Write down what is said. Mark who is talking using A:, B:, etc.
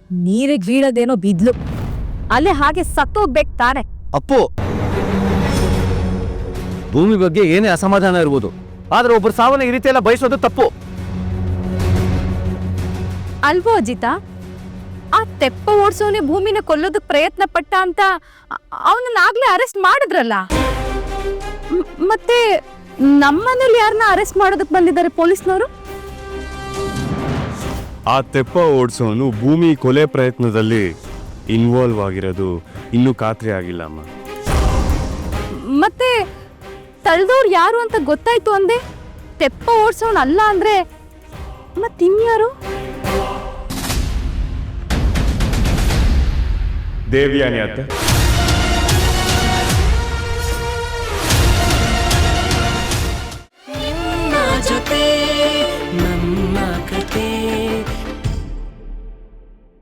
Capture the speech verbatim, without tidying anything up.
A: ನೀರಿಗೆ ಬೀಳೋದೇನೋ ಬಿದ್ಲು, ಅಲ್ಲೇ ಹಾಗೆ ಸತ್ತೋಗ್ಬೇಕು ತಾನೆ.
B: ಅಪ್ಪು, ಭೂಮಿ ಬಗ್ಗೆ ಏನೇ ಅಸಮಾಧಾನ ಇರ್ಬೋದು, ಆದ್ರೆ ಒಬ್ಬರು ಸಾವನ್ನ ಈ ರೀತಿ ಎಲ್ಲ ಬಯಸೋದು ತಪ್ಪು
A: ಅಲ್ವೋ ಅಜಿತ? ಆ ತೆಪ್ಪ ಓಡಿಸೋನೆ ಭೂಮಿನ ಕೊಲ್ಲೋದಕ್ ಪ್ರಯತ್ನ ಪಟ್ಟ ಅಂತ ಅವನನ್ನಾಗ್ಲೇ ಅರೆಸ್ಟ್ ಮಾಡಿದ್ರಲ್ಲ. ಮತ್ತೆ ನಮ್ಮನೇಲಿ ಯಾರನ್ನ ಅರೆಸ್ಟ್ ಮಾಡೋದಕ್ ಬಂದಿದ್ದಾರೆ ಪೊಲೀಸ್ನವರು?
C: ಆ ತೆಪ್ಪ ಓಡಿಸೋನು ಭೂಮಿ ಕೊಲೆ ಪ್ರಯತ್ನದಲ್ಲಿ ಇನ್ವಾಲ್ವ್ ಆಗಿರೋದು ಇನ್ನೂ ಖಾತ್ರಿ ಆಗಿಲ್ಲ ಅಮ್ಮ.
A: ಮತ್ತೆ ತಳ್ದವ್ರು ಯಾರು ಅಂತ ಗೊತ್ತಾಯ್ತು ಅಂದೆ. ತೆಪ್ಪ ಓಡಿಸೋನ್ ಅಲ್ಲ ಅಂದ್ರೆ ಮತ್ತಿನ್ಯಾರು?
C: ದೇವ್ಯಾನಿ ಅತ್ತೆ.